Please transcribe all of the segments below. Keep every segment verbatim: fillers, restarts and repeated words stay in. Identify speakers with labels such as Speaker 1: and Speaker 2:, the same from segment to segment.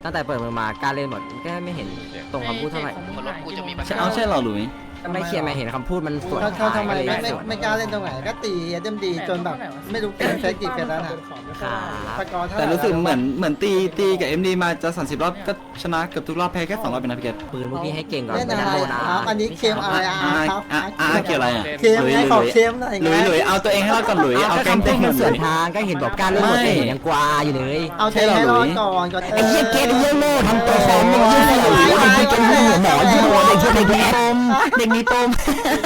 Speaker 1: ตั้งแต่เปิดมือมากล้าเล่นหมดก็ไม่เห็นตรงคำพูดเท่าไหร่
Speaker 2: รถกูจะมีปัญหา
Speaker 3: เอาใช่เหรอหลุย
Speaker 1: ไม่เคลียร์ไม่เห็นคำพูดมันสวน
Speaker 4: เขาเขาทำไม
Speaker 1: ก็เลย
Speaker 4: ไม่ไม่
Speaker 1: สวน
Speaker 4: ไม่กล้าเล่นตรงไหนก็ตีเอ็มดีจนแบบไม่รู้เกมเฟซกี่เกมแล้วนะ
Speaker 1: ครับ
Speaker 4: สกอร์เท่าไห
Speaker 3: แต่
Speaker 4: ร่
Speaker 3: รู้สึกเหมือนเหมือนตีตีกับเอ็มดีมาจะสามสิบรอบก็ชนะเกือบทุกรอบแพ้แค่สองรอบเป็นนะพี่เกต
Speaker 1: ปืนพวกพี่ให้เก่งก่อน
Speaker 4: เล่น
Speaker 1: ไม่
Speaker 4: อะ
Speaker 1: ได้
Speaker 4: ไร
Speaker 1: โดน
Speaker 4: ค
Speaker 1: นะ
Speaker 4: รับอันนี้เคมอะไรอ่ะ
Speaker 3: อ่า
Speaker 4: ครับ
Speaker 3: อ่าอ่าเกี่ยวอะไรอ่ะ
Speaker 4: เคมไงขอเคมหน่อย
Speaker 3: หลุยหลุยเอาตัวเองให้รอดก่อนหลุยเอา
Speaker 1: ก็
Speaker 3: แกง
Speaker 1: คำพู
Speaker 3: เต้
Speaker 1: ด
Speaker 3: น
Speaker 1: มันส
Speaker 3: หลุ
Speaker 1: วน
Speaker 3: ย
Speaker 1: ทางก็เห็นบอกกล้าเล่นหมด
Speaker 3: ไม่
Speaker 1: เลยยังกวาอยู่เลย
Speaker 4: เอาเทให้รอดก่อนก็
Speaker 1: ไอ้เหี้ยเกตเยี่ยโง่ทำตัวฟอร์มมึงยี่ห้อหรือไอ้เหี้ยเกตหัวหมอยี่ห้อเด็กเด็กมีปมเด็กมีปม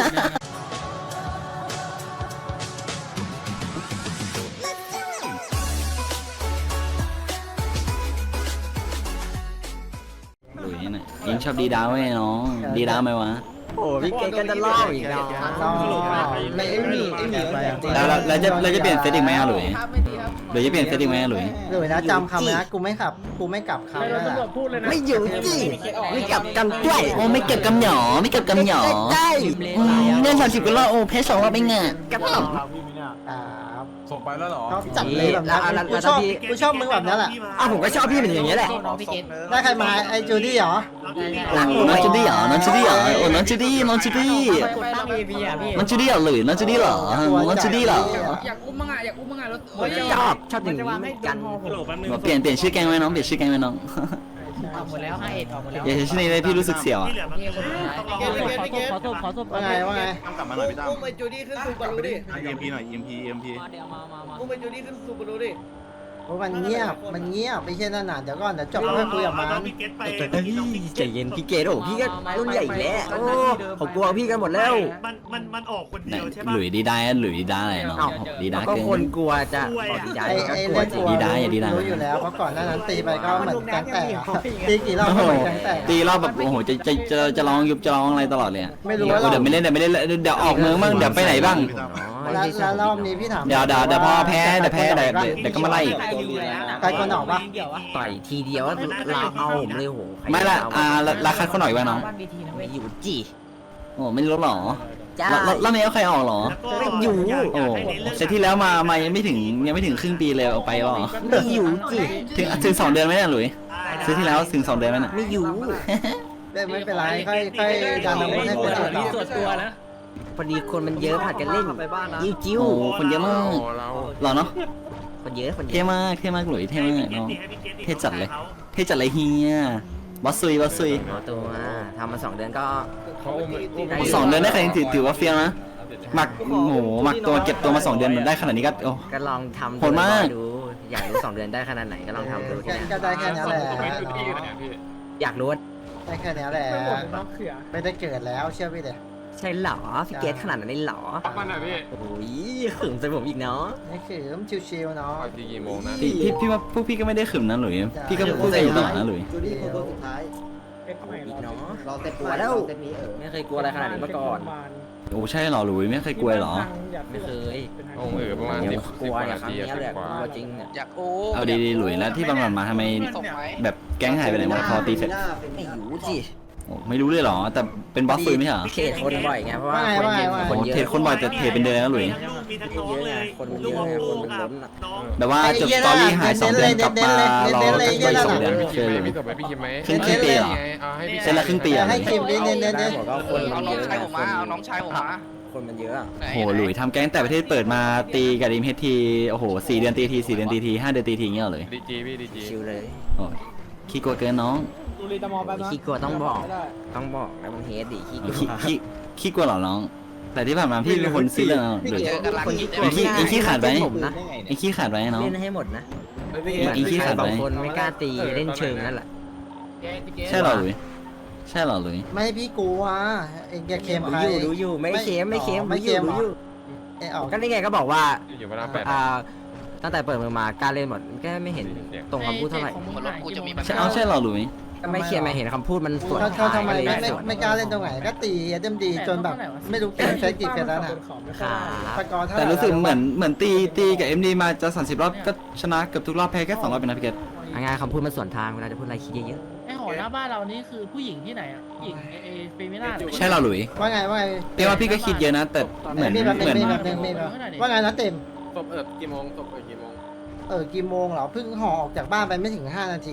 Speaker 3: หลุยเนี่ยยิงชอบดีดาวไหมน้องดีดาวไหมวะ
Speaker 1: โอ้พี่เกตก็จะล่ออีกเนาะ
Speaker 4: รอไม่ไอ้หมีไอ้หมี
Speaker 3: แล้วเราเราจะเราจะเปลี่ยนเซตอีกไหมอ่ะหลุยหรือจะเปลี่ยนเซตอีกไหมอ่ะหลุย
Speaker 4: หลุยนะจำคำนะกูไม่ขับกูไม่กลับคำนะ
Speaker 1: ไม่อยู่จีไม่กลับกันด้วย
Speaker 3: โอ้ไม่เก็บกำหยอไม่เก็บกำหยอ
Speaker 1: ได้
Speaker 3: อืมเล่นสามสิบก็รอบโอ้เพชรสองรอบไม่เงี้ย
Speaker 1: กับผม
Speaker 4: ครับ
Speaker 5: ส่งไปแล้วเหรอ
Speaker 4: ชอบจัดเลยแบบนี้กูชอบกูชอบมึงแบบนี้แหละ
Speaker 1: อ้าวผมก็ชอบพี่เป็นอย่างนี้แหละ
Speaker 4: ได้ใครมาไอ้จูดี้เหรอ
Speaker 3: น้องจูดี้เหรอน้องจูดี้เหรอโอ้น้องจูดี้น้องจูดี้น้องจูดี้เหรอหรือน้องจูดี้เหรอน้องจูดี้เหรอ
Speaker 2: อยากอุ้มมั่งอ่ะอยากอุ้มมั่งอ่ะรถ
Speaker 1: ชอบชอบอย่างนี้เหมือนกัน
Speaker 3: เปลี่ยนเปลี่ยนชื่อแกงไหมน้องเปลี่ยนชื่อแกงไหมน้อง
Speaker 2: ออกหมดแล้วให้เอ็ดออกหมดแล้ว
Speaker 3: อย่าใช้ชื่อนี้เลยพี่รู้สึกเสียวอ่ะ
Speaker 2: ขอโทษขอโทษ
Speaker 4: ว่าไงว่าไง
Speaker 5: กลับมาหน่อยพี่ตั้ม
Speaker 6: อุ้มไอ้จูดี้ขึ้นซูบารุดิ
Speaker 5: เอ็มพีหน่อยเอ็มพีเอ็มพี
Speaker 6: อุ้มไอ้จูดี้ขึ้นซูบารุดิ
Speaker 4: โอ้มันเงียบมันเงียบไม่ใช่นั่นน่ะเดี๋ยวก่อนเดี๋ยวจบแล้วค่อยคุยกับมัน
Speaker 1: ใจเย็นพี่เกดโอ้พี่ก็รุ่นใหญ่แล้วโอ้ผมกลัวพี่กันหมดแล้ว
Speaker 7: มันมันมันออกคนเดียวใช่ปะ
Speaker 3: หลุยดีได้หลุยดีได้อะไรน้องดีได้
Speaker 1: ก็
Speaker 3: เกิ
Speaker 1: คน
Speaker 3: น
Speaker 1: กลัวจะขอดีใจ
Speaker 4: ไอ้
Speaker 1: ก็
Speaker 4: ไอ้
Speaker 1: กลัว
Speaker 4: เล่น
Speaker 1: จริ
Speaker 4: ตั
Speaker 1: ง
Speaker 4: ว
Speaker 3: ดีได้อย่าดีได้
Speaker 4: รู้อยู่แล้วเพราะก่อนหน้านั้นตีไปก็เหมือนแก๊งแตกอะตีกี่รอบ
Speaker 3: โอ้
Speaker 4: ก็
Speaker 3: โห
Speaker 4: เหมือนแก๊งแตก
Speaker 3: ตีรอบแบบโอ้โหจะจะจะจะร้องยุบจะร้องอะไรตลอดเลย
Speaker 4: ไม่รู้ว่า
Speaker 3: เดี๋ยวไม่เล่นเดี๋ยวไม่เล่นเดี๋ยวออกเมืองบ้างเดี๋ยวไปไหนบ้าง
Speaker 4: แล้วแล้วรอบนี้พี่ถาม
Speaker 3: เดี๋ยวเดี๋ยวเดี๋ยวพอแพ้เดี๋ยวแพ้เดี๋ยวเดี๋ยวก็มาไล่อีก
Speaker 4: ใครคนออกปะ
Speaker 1: ต่อยทีเดียวเราเอาผมเลยโห
Speaker 3: ไม่ละอ่าราคาเขาหน่อยบ้างน้อง
Speaker 1: ไม่อยู่จี
Speaker 3: โอ้ไม่รู้หรอ
Speaker 1: จ้า
Speaker 3: แล้วแล้วนี้ใครออกหรอ
Speaker 1: ไม่อยู่
Speaker 3: โอ้เซตที่แล้วมามายังไม่ถึงยังไม่ถึงครึ่งปีเลยเอาไปหรอ
Speaker 1: ไม่อยู่จี
Speaker 3: ถึงถึงสองเดือนไหมเนี่ยหลุยซื้อที่แล้วถึงสองเดือนไหมเนี่ย
Speaker 1: ไม่อยู่
Speaker 4: ไม่เป็นไรค่อยค่อยดันอาวุธให้คนอื่นต่อ
Speaker 2: ส่วนตัวนะ
Speaker 1: พอดีคนมันเยอะผัดกันเล่นจิ้วจิ้ว
Speaker 3: โอ้คนเยอะมากหรอเนาะ
Speaker 1: คนเยอะคนเย
Speaker 3: เท่
Speaker 1: อะ
Speaker 3: มากเท่มากหลุยเท่มากเนาะเท่จัดเลย เท่จัดเลยเฮียบอสซุยบอสซุย
Speaker 1: เอาตัวทำมาสองเดือนก็
Speaker 3: สองเดือนได้ใครถือถือว่าเฟี้ยวนะหมักโอ้โหหมักตัวเก็บตัวมาสองเดือนมันได้ขนาดนี้ก็โอ้
Speaker 1: ก็ลองทำ
Speaker 3: โหดมาก
Speaker 1: ดูอยากรู้สองเดือนได้ขนาดไหนก็ลองทำดูที
Speaker 4: แค่
Speaker 1: นะ
Speaker 4: ก็ได้แค่นี้แหละ
Speaker 1: อยากรู้ว่า
Speaker 4: ได้แค่นี้แหละไม่ได้เกิดแล้วเชื่อพี่เด็
Speaker 1: ใช่เหรอพี่เกตขนาดนั้นเลยเหรอ
Speaker 5: มันหน่อยพี่
Speaker 1: โอ้ยขึงใส่ผมอีกเนาะ
Speaker 4: นี่คือมชิวๆเนาะ
Speaker 5: ทีกี่โมงนะ
Speaker 3: พี่พี่พี่ว่าพวกพี่ก็ไม่ได้ขึมนะหลุยพี่ก็พูดได้อยู่ตลอดนะหลุย
Speaker 4: จูดี้คือคนสุดท้าย
Speaker 1: อีกเนาะ
Speaker 4: รอเต็ม
Speaker 1: กลัวแล้วไม่เคยกลัวอะไรขนาดนี้มาก่อน
Speaker 3: โอ้ใช่เหรอหลุยไม่เคยกลัวเหรอ
Speaker 1: ไม่เคย
Speaker 5: โอ้โหประมาณ
Speaker 1: เดี๋
Speaker 5: สิ
Speaker 1: ยว
Speaker 5: บ
Speaker 1: กลัว
Speaker 5: กว่า
Speaker 1: เนี่ย
Speaker 5: นา
Speaker 1: ครั้ง
Speaker 5: ที
Speaker 1: นี้แหละ
Speaker 5: ก
Speaker 1: ก
Speaker 5: ว่า
Speaker 1: ลัวจริงเนี่ย
Speaker 2: อยากโอ้
Speaker 3: เอาดีๆหลุยแล้วที่บางวันมาทำไม
Speaker 2: ส่งไหม
Speaker 3: แบบแก๊งหายไปไหนหมดพอตีเสร็จ
Speaker 1: ไม่อยู่สิ
Speaker 3: โอ้ไม่รู้เลยเหรอแต่เป็นบอสซุยไม่ใช่เหรอ
Speaker 1: เขตคนบ่อยไงเพราะว่า
Speaker 4: ว่าไงว่าไงว่าไง
Speaker 1: คน
Speaker 3: โอ้
Speaker 1: เยอะ
Speaker 3: เทรดคนบ่อยแต่เทรดเป็นเดือนนะหลุย
Speaker 7: มีทั้งน้องเลย
Speaker 1: คนมันเยอะไงคนมันล้นอ่ะ
Speaker 7: น้อง
Speaker 3: แบบว่าจบสตอรี่หายสองเดือนกลับมารอกันไปสองเดือนเจอหลุย
Speaker 5: พี่ส่งไปพี่คิมไหม
Speaker 3: ครึ่งครึ่งปีเหรอ
Speaker 5: เอาให้พี่
Speaker 3: เซ็นละครึ่งปี
Speaker 4: อยา
Speaker 3: อะ
Speaker 4: กให้คิมเน้นเน้นเน้น
Speaker 1: บอกว่าคน
Speaker 2: เอา
Speaker 1: มัน
Speaker 2: น้
Speaker 1: เย
Speaker 2: อง
Speaker 1: อะ
Speaker 2: ชายผมมาเอาน้องชายผมมา
Speaker 1: คนมันเยอะ
Speaker 3: โหหลุยทำแก๊งแต่ประเทศเปิดมาตีกับดีมเฮดทีโอ้โหสี่เดือนตีทีสี่เดือนตีทีห้าเดือนตีทีเงี้ยเลย
Speaker 5: ดีจีพี่ดีจี
Speaker 1: ชิวเลย
Speaker 3: โอ้ยขี้กลัวเกินน้อง
Speaker 1: ขี้กลัวต้องบอกต้องบอกแล้วมันเฮดดิขี้กลัว
Speaker 3: ขี้ขี้ขี้กลัวเหรอน้อง แต่ที่ผ่านมาพี่เป็นคนซีเรียสนะหรือ
Speaker 2: เจอกันหลัง
Speaker 1: คน
Speaker 2: กิ
Speaker 1: ขี้
Speaker 2: น
Speaker 1: ก
Speaker 2: ได้
Speaker 1: ลัว
Speaker 3: ไอ้ขี้ไอ้ขี้ขาดไหม
Speaker 1: ผมนะ
Speaker 3: ไอ้ขี้ขาดไว้น้อง
Speaker 1: เล่นให้หมดนะ
Speaker 3: ไอ้ขี้ขาดไหม
Speaker 1: บางคนไม่กล้าตีเล่นเชิงนั่นแหละ
Speaker 3: ใช่เหรอหลุยใช่เหรอหลุย
Speaker 4: ไม่ให้พี่กลัวเองจะเค็ม
Speaker 1: รู้
Speaker 4: ใคร
Speaker 1: อยู่รู้อยู่ไม่เค็มไม่เค็ม
Speaker 4: ไม่
Speaker 1: รู้อ
Speaker 4: เค็
Speaker 1: ยู่
Speaker 4: ม
Speaker 1: รู้อยู่
Speaker 4: ไอ้ออก
Speaker 1: ก็นี่ไงก็บอกว่า
Speaker 5: อยู่เวลาแปด
Speaker 1: อ่าตั้งแต่เปิดมือมากล้าเล่นหมดก็ไม่เห็นตรงคำพูดเท่าไหร่
Speaker 2: รถกูจะมีปัญ
Speaker 3: ใช่
Speaker 2: หา
Speaker 3: เอาใช่เหรอหลุย
Speaker 1: ก็ไม่เคลียร์ไม่เห็นคำพูดมันสวน
Speaker 4: เขาเขาทำไม
Speaker 1: ก็เลย
Speaker 4: ไม่ไม่
Speaker 1: สวน
Speaker 4: ไม่กล้าเล่นตรงไหนก็ตีเอ็มดีจนแบบไม่รู้เกมเฟซกี่เกมแล้วนะ
Speaker 1: ครับ
Speaker 4: สกอร์เท่าไห
Speaker 3: แต่
Speaker 4: ร่
Speaker 3: รู้สึกเหมือนเหมือนตีตีกับเอ็มดีมาจะสามสิบรอบก็ชนะเกือบทุกรอบแพ้แค่สองรอบเป็นนะพี่เกต
Speaker 1: งานคำพูดมันสวนทางเวลาจะพูดอะไรคิดเยอะ
Speaker 8: ไอหอหน้าบ้านเรานี่คือผู้หญิงที่ไหนอ่ะผู้หญิงเอเอเฟมิน่า
Speaker 3: ใช่เหรอหลุย
Speaker 4: ว่าไงว่าไง
Speaker 3: พี่ว่าพี่ก็คิดเยอะนะ แต่เหมือน
Speaker 4: มีแบบ
Speaker 3: เหมือน
Speaker 4: มีแบบนึงมีแบบว่าไงนะเต็ม
Speaker 5: ศพเอิบกี่โมงศพเอิบกี่โมง
Speaker 4: เออกี่โมงเหรอเพิ่งห่อออกจากบ้านไปไม่ถึงห้านาทีอ่ะ
Speaker 5: โอเค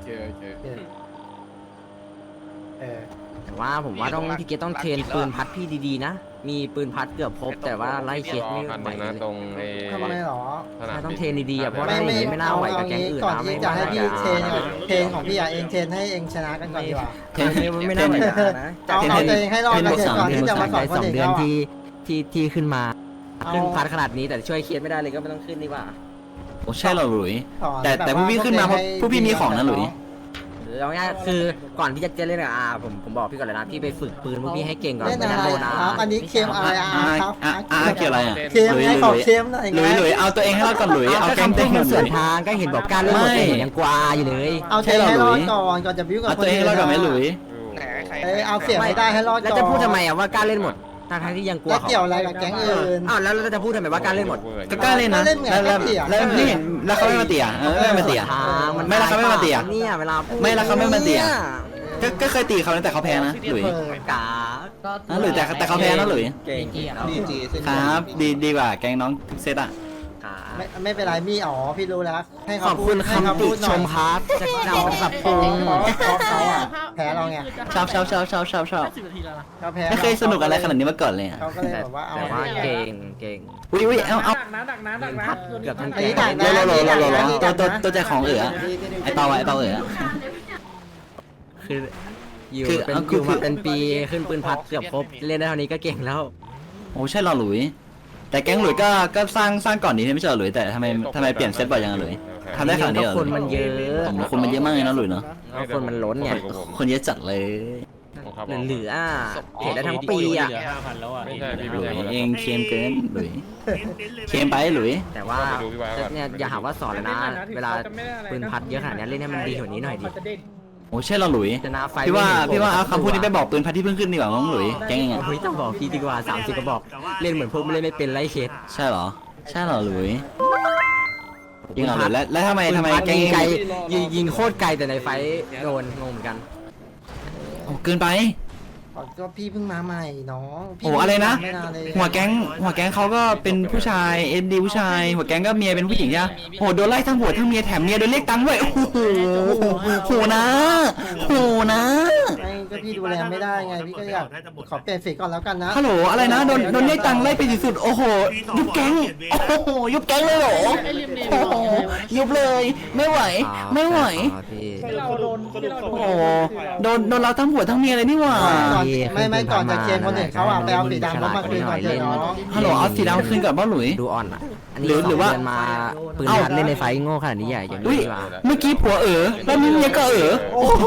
Speaker 5: เคโอเค
Speaker 4: เออ
Speaker 9: แต่ว่าผมว่าต้องพี่เกตต้องเทรนปืนพัดพี่ดีๆนะ มีปืนพัดเกือบครบแต่ว่าไล่เค
Speaker 5: ร
Speaker 9: ส
Speaker 5: อ
Speaker 9: ไม่
Speaker 5: คันห
Speaker 9: ไหว
Speaker 5: นึ่ง
Speaker 9: เล
Speaker 5: นะ
Speaker 9: ย
Speaker 5: ตรงไอ้
Speaker 4: ทำไมหรอ
Speaker 5: สนาม
Speaker 9: ต้อง
Speaker 5: บิน
Speaker 9: เทรนดีๆอ่ะเพราะ
Speaker 4: ไม่
Speaker 9: ว่า
Speaker 4: ไม่
Speaker 9: ไม่น่าไหวกับแก๊งอื่น
Speaker 4: ก่อน
Speaker 9: นะ
Speaker 4: ที่
Speaker 9: ไม่
Speaker 4: จะให้พี่เทรน
Speaker 9: ไม่
Speaker 4: เทรนของพี่อะเองเทรนให้เองชนะกันก่อนดีกว่า
Speaker 9: เทรนไม่น่าไหวนะ
Speaker 4: เอาเอาตัวเองให้รอดกันก่อนที่จะมาสอนคน
Speaker 9: สอง
Speaker 4: อื่น
Speaker 9: เดือน
Speaker 4: เขา
Speaker 9: ที่ที่ที่ขึ้นมา
Speaker 4: เอา
Speaker 9: ขึ้นพัดขนาดนี้แต่ช่วยเคสไม่ได้เลยก็ไม่ต้องขึ้นดีกว่า
Speaker 3: โอ้ใช่เหรอหลุย
Speaker 4: สอน
Speaker 3: แต่แต่ผู้พี่ขึ้นมาเพราะผู้พี่มีของนะหลุย
Speaker 9: เอาง่ายๆคือก่อนที่จะเล่นกับอาผมผมบอกพี่ก่อนเลยนะพี่ไปฝึกปืนพวกพี่ให้เก่งก่อน
Speaker 4: เล่น
Speaker 9: ไม่
Speaker 4: อะ
Speaker 9: งั้น
Speaker 4: ไร
Speaker 9: โดนอา
Speaker 4: ครับอันนี้เค็มอะไรอ่ะ
Speaker 3: อ่า
Speaker 4: ครับ
Speaker 3: อ่าอ่าเกี่ยวอะไรอ่ะ
Speaker 4: เค็ม
Speaker 3: หลุย
Speaker 4: ให้
Speaker 3: ห
Speaker 4: ขอ
Speaker 3: ลุย
Speaker 4: เค็มหน่อย
Speaker 3: หลุยหลุยเอาตัวเองให้รอดก่อนหลุยเอา
Speaker 9: ก็
Speaker 3: แก๊ง
Speaker 9: คำ
Speaker 3: เต็
Speaker 9: พู
Speaker 3: ม
Speaker 9: ด
Speaker 3: ห
Speaker 9: มัน
Speaker 3: ลุ
Speaker 9: สวย นทางก็เห็นบอกการเล่นหมด
Speaker 3: ไม่
Speaker 9: เลยยังกวาอยู่เลย
Speaker 4: เอาตัวเองให้รอดก่อนก่อนจะบิ้วกับ
Speaker 3: เอา
Speaker 4: ค
Speaker 3: ตั
Speaker 4: น
Speaker 3: วเอง
Speaker 4: อื่น
Speaker 3: ให้รอดก่อนไหมหลุย
Speaker 2: ไหนใคร
Speaker 4: เอ้ยเอาเสียงให้ได้ให้รอดก่อน
Speaker 9: แล้วจะพูดทำไมอ่ะว่ากล้าเล่นหมดทั้งที่ยังกลัว
Speaker 4: แล้ว
Speaker 9: เขา
Speaker 4: เกี่ยวอะไรกับแก๊งอื่น
Speaker 9: อ้าวแล้วเราจะพูดทำไมว่ากล้าเล่นหมด
Speaker 3: ก็กล้าเล่นนะ
Speaker 4: ก็เล่นไง
Speaker 3: แล้วแล้ว
Speaker 4: ก็เถียง
Speaker 3: แล้วนี่เห็นแล้วเขาไม่มาเตี่ยเออไม่มาเตี่ย
Speaker 9: ทางมัน
Speaker 3: ไม่แล้วเขาไม่มาเตี่ย
Speaker 9: เนี่ยเวลาพูด
Speaker 3: ไม่แล้วเขาไม่มาเตี่ย
Speaker 9: นี่
Speaker 3: ก็ก็เคยตีเขานะแต่เขาแพ้นะหลุย
Speaker 9: กา
Speaker 3: นะหลุยแต่แต่เขาแพ้นะหลุย
Speaker 9: เก่ง
Speaker 2: เกียร์
Speaker 4: ดีจีเส้น
Speaker 3: ครับดีดีกว่าแก๊งน้องทุกเซตอ่ะ
Speaker 9: กา
Speaker 4: ไม่ไม่เป็นไรมี่อ๋อพี่รู้แล้วให้
Speaker 9: ข
Speaker 4: เขา
Speaker 9: อบ
Speaker 4: พู
Speaker 9: คุ
Speaker 4: ด
Speaker 9: ณ
Speaker 4: ให้เขา
Speaker 9: คำติ
Speaker 4: พูดห
Speaker 9: ช
Speaker 4: น่อย
Speaker 9: มครับจะนำไปปรับปรุง
Speaker 4: เพราะเขาอะแพ้เราไง
Speaker 3: ชอบชอบชอบชอบชอบชอบ
Speaker 8: สิบนาทีแล้วนะ
Speaker 4: เขาแพ้
Speaker 3: ไม่เคยสนุกอะไรขนาดนี้มาก่อนเลยอ่ะ
Speaker 4: เขาก็เลยแบบว่าเอา
Speaker 9: แต่ว่าเก่งเก่ง
Speaker 3: อุ้ยอุ้ยเอาเอา
Speaker 8: ดักนะดักนะดักนะ
Speaker 9: เกือบทั้ง
Speaker 4: อัน
Speaker 9: แก๊
Speaker 4: นี้
Speaker 9: ง
Speaker 4: ดัก
Speaker 3: โล
Speaker 4: นะ
Speaker 3: โลโลโลโล
Speaker 4: นี่
Speaker 3: ตั
Speaker 4: ดั
Speaker 3: ว
Speaker 4: กนะ
Speaker 3: ตัวตัวใจของเอ๋อไอเปาไอเปาเอ๋อ
Speaker 9: คืออยู่
Speaker 3: คือ
Speaker 9: เป็น
Speaker 3: เอา
Speaker 9: อ
Speaker 3: คือยู่
Speaker 9: มาเป็นปีขึ้นปืนพัดเกือบครบเล่นได้เท่านี้ก็เก่งแล้ว
Speaker 3: โอ้ใช่หรอหลุย แต่แก๊งหลุยก็ก็สร้างสร้างก่อนนี้ไม่ใช่หรอหลุยแต่ทำไมทำไมเปลี่ยนเซตบ่อยยังหลุยทำได้ขนาดนี้เหรอ
Speaker 9: คนมันเยอะ
Speaker 3: ผมคนมันเยอะมากเลยนะหลุยเนาะ
Speaker 9: แล้วคนมันล้นไง
Speaker 3: คนเยอะจัดเลย
Speaker 9: เหลือๆอ่ะเห็นได้ทั้งปีอ่ะ
Speaker 5: ไม่ใช่พี่
Speaker 3: หลุ
Speaker 5: ไม่
Speaker 3: ย
Speaker 5: ใช่
Speaker 3: เองเค็มเกินหลุย
Speaker 7: เน้นๆเลย
Speaker 3: เค็มไปหลุย
Speaker 9: แต่ว่าเนี่ยอย่าหาว่าสอนเลยนะ เวลาปืนพัดเยอะขนาดนี้เล่นให้มันดีกว่านี้หน่อยดิ
Speaker 3: โอ้ใช่หรอหลุย
Speaker 9: ชนะไฟ
Speaker 3: พี่ว่า
Speaker 9: ไม่เห็น
Speaker 3: พี่ว่าเอา
Speaker 9: ผ
Speaker 3: คำพูดนี้ไปบอกปืนพัดที่เพิ่งขึ้นดีกว่าน้องหลุยแก๊งยังไง
Speaker 9: เฮ้ยต้องบอกพี่ดีกว่าสามสิบกระบอกเล่นเหมือนพวกไม่เล่นไม่เป็นไรเคส
Speaker 3: ใช่หรอใช่หรอหลุยยิงเหรอหลุยแล้วแล้วทำไมทำไมแก๊ง
Speaker 9: ยิงไกล
Speaker 3: ยังไง
Speaker 9: ยิงยิงโคตรไกลแต่ในไฟโดนงงเหมือนกัน
Speaker 3: โอ้เกินไป
Speaker 4: ก็พี่เพิ่งมาใหม่น้องพี่
Speaker 3: โอ้อะไรนะ
Speaker 4: ไม่าเลย
Speaker 3: หัวแก๊งหัวแก๊งเขาก็เป็นผู้ชายเอ็นดีผู้ชาย หัวแก๊งก็เมียเป็นผู้หญิงใช่ไหมโหโดนไล่ทั้งหัวทั้งเมียแถมเมียโดนเรียกตังค์ด้วยโอ้โหโหนะโหนะ
Speaker 4: ไม่ก็พี่ดูแลไม่ได้ไงพี่ก็อยากขอเปลี่ยนสีก่อนแล้วกันนะ
Speaker 3: ฮัลโหลอะไรนะโดนโดนเรียกตังค์ไล่ไปสุดๆโอ้โหยุบแก๊งโอ้โหยุบแก๊งเลยเหรอ
Speaker 8: ไอ้เรียมเนม
Speaker 3: โอ้โหยุบเลยไม่ไหวไม่ไหว
Speaker 9: อ๋อพี่
Speaker 8: เราโดนที่เรา
Speaker 3: โอ้โหโดนโดนเราทั้งหัวทั้งเมียเลยนี่หว่า
Speaker 4: ก่อนไม่ไม่ก่อนจะเคลียร์คนอื่นเขาอ่ะไปเอาสีดำเข้ามาคืนก่อนเถอะน้อง
Speaker 3: ฮัลโหลเอาสีดำคืนก่อนบ้าหลุย
Speaker 9: ดูอ่อนอ่ะอัน
Speaker 3: หรื
Speaker 9: นี้
Speaker 3: อหรือว่า
Speaker 9: สงเดืนมาปืน
Speaker 3: เอ้า
Speaker 9: พัดเล่นในไฟโง่ขนาดนี้ใหญ่อย่าง
Speaker 3: อุ้
Speaker 9: นี้
Speaker 3: ย
Speaker 9: ดีกว่า
Speaker 3: เมื่อกี้ผัวเอ๋อแล้วนี่เมียก็เอ๋อโอ้โห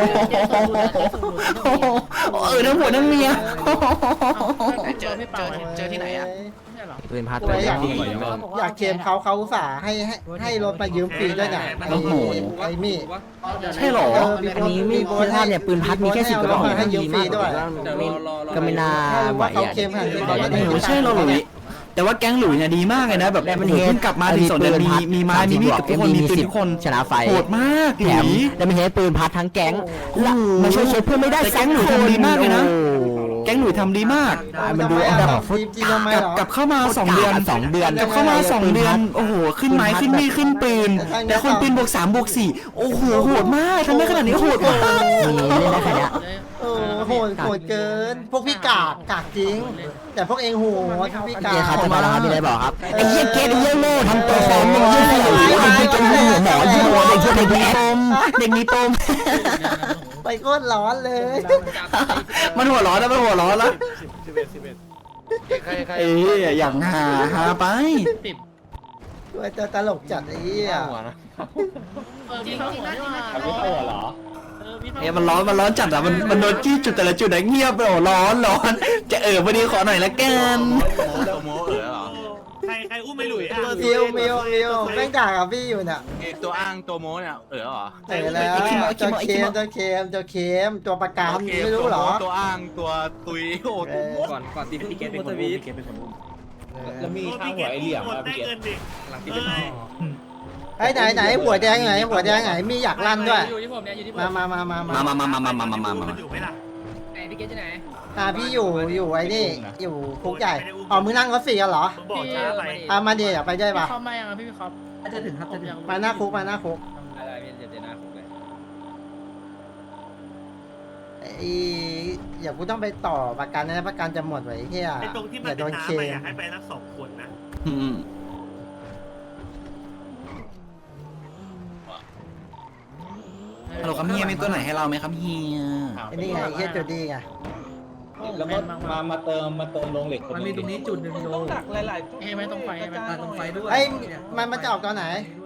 Speaker 3: เออทั้งผัวทั้งเมีย
Speaker 2: เจอเจอเจอที่ไหนอ่ะ
Speaker 9: ปืนพัด
Speaker 4: ตัวอยาก
Speaker 9: ดี
Speaker 4: อยากเคลมเขาเขาอุตส่าห์ให้ให้ให้รถมายืมฟรีด้วยเนี่ยไอ้ไอ้มี่
Speaker 3: ใช่หรอ
Speaker 9: อันนี้มีคือถ้าเนี่ยปืนพัดมีแค่สิบกระบอก
Speaker 4: ให้ยืม
Speaker 9: ดี
Speaker 4: ฟรี
Speaker 9: มาก
Speaker 4: ด้วย
Speaker 9: ก็ไม่น่า
Speaker 4: ถ้ารู้
Speaker 9: ไหว
Speaker 4: ว่าเขา
Speaker 9: อ่ะ
Speaker 4: เคลมขนาดนี้
Speaker 3: โอ้โหใช่หรอหลุยแต่ว่าแก๊งหลุยเนี่ยดีมากเลยนะแบบ
Speaker 9: แต่มัน
Speaker 3: โอ้โหเพิ่งกลับมาถึงสองเดือนมีมีไม้มีมีดกับทุกคนมีปืนทุกคน
Speaker 9: ชนะไฟ
Speaker 3: โหดมากห
Speaker 9: แถ
Speaker 3: ลุ
Speaker 9: ม
Speaker 3: ย
Speaker 9: แล้วมันเห็นปืนพัดทั้งแก๊งและมาช่วยเช็คเพื่อนไม่ได้
Speaker 3: แต่แก๊งหนูทำดีมากเลยนะ
Speaker 9: โอ้
Speaker 3: แก๊งหลุยทำดีมาก
Speaker 9: มันดู
Speaker 4: แบ
Speaker 9: แบบ บ
Speaker 4: ฟรีจริงทำไม
Speaker 3: กลับ
Speaker 4: เหรอก
Speaker 3: ลับเข้ามาสองเดือน
Speaker 9: สองเดือน
Speaker 3: กลับเข้ามาสองเดือนโอ้โหขึ้นไม้ขึ้นมีดขึ้นปืนแต่คนปืนบวกสามบวกสี่โอ้โหโหดมากทำได้ขนาดนี้โหดมาก
Speaker 9: มีเล่นได้แค่เนี้ย
Speaker 4: เออโหดโหดเกิน พวกพี่กากกากจริง แต่พวกเองโหดพวกพี่กา
Speaker 9: เกีย
Speaker 4: ก
Speaker 9: ร์ครับจะมาแล้วครับมีอะไรบอกครับ
Speaker 4: ไอ้เหี้ยเกตไอ้เหี้ยโง่
Speaker 1: ทำตัวฟอร์มมึงยี่สี่ไอ้เป็นหัวหมอยี่หัวเด็กเด็กมีปมเด็กมีปม
Speaker 4: ไปโคตรร้อนเลย
Speaker 3: มันหัวร้อนแล้วมันหัวร้อนแล้ว
Speaker 5: ใครใคร
Speaker 3: เอ้ยอย่างหาหาไป
Speaker 8: ติด
Speaker 4: ว่าจะตลกจัดไอ้เหี้ย
Speaker 5: หัวนะ
Speaker 8: เออมีเข้าหัวนี่ว่าไม่เข้าหัวเหรอเออมีเข้า
Speaker 3: เอ้ยมันร้อนมันร้อนจัดอ่ะมันมันโดนจี้จุดแต่ละจุดไหนเงียบไปโอ้ร้อนร้อนจะเออพอดีขอหน่อยละกัน
Speaker 5: โมเออเหรอ
Speaker 7: ใครใครอุ้มไม่หลุยอ่ะ
Speaker 4: มิวมิวมิวแม่งด่ากับพี่อยู่น่ะ
Speaker 5: ตัวอ้างตัวโมเนี่ยเออเหรอ
Speaker 4: เออแล้วเจ้าเค็มเจ้าเค็มเจ้าเค็มตัวประกันไม่รู้เหรอ
Speaker 5: ตัวอ้างตัวตุยโอ้
Speaker 4: เออ
Speaker 10: ก่อนก่อนตีพี่เกตเป็นคนอุ้มพี่เกตเป็นคนอุ้มแล้วมีข้างหัวไอเหลี่ยม
Speaker 7: อ่ะ
Speaker 10: อ่ะ
Speaker 7: ได้
Speaker 10: พี่เกต
Speaker 7: เงินดิ
Speaker 10: หลังตีเป็น
Speaker 4: ไอ้ไหนไหนหัวแดงไหนหัวแดงไหนมีอยากลั่นด้วย
Speaker 8: อยู่ที่ผมเนี่ยอยู่ที่ผม
Speaker 4: มามามามามา
Speaker 3: มามามามามามามามา
Speaker 7: อยู่ไหมล่ะ
Speaker 2: ไหนพี่เกตที่ไหน
Speaker 4: อ่าพี่อยู่อยู่ไอ้นี่อยู่คุกใหญ่อ๋อมึงนั่งรถสี่กันเหรอ
Speaker 7: ผมบอกช้าไป
Speaker 4: อ่ามาเดี๋ยวอยากไปด้วยปะ
Speaker 8: เข้ามายังพี่พี่ครับ
Speaker 10: จะถึงครับจะถึง
Speaker 4: มาหน้าคุกมาหน้าคุก
Speaker 10: อะไรพี่เดี๋ยวหน้าคุกเลย
Speaker 4: ไอ้อย่ากูต้องไปต่อประกันนะประกันจะหมดไว้เฮีย
Speaker 7: ไอ้ตรงที่มัน
Speaker 4: อย่า
Speaker 7: เป็
Speaker 4: โด
Speaker 7: น
Speaker 4: นเค
Speaker 7: น้ำไป
Speaker 4: ม
Speaker 7: อยากให้ไปนักสองคนนะ
Speaker 3: อืมฮัลโหลครับเฮียมีตัวไหนให้เราไหมครับเฮีย
Speaker 4: ไอ้นี่ไงไอ้เฮียจูดี้ไง
Speaker 10: แล้วก็มามาเติมมาเติมลงเหล็ก
Speaker 6: มันมีตรงนี้จุดหนึ่งโล
Speaker 2: ต้องดักหลายๆจุด
Speaker 8: เอ้ไม่ต้องไฟไหม
Speaker 6: ตรงไฟด้วย
Speaker 4: ไอ้ยมันมันจะออกตอนไหน
Speaker 6: ม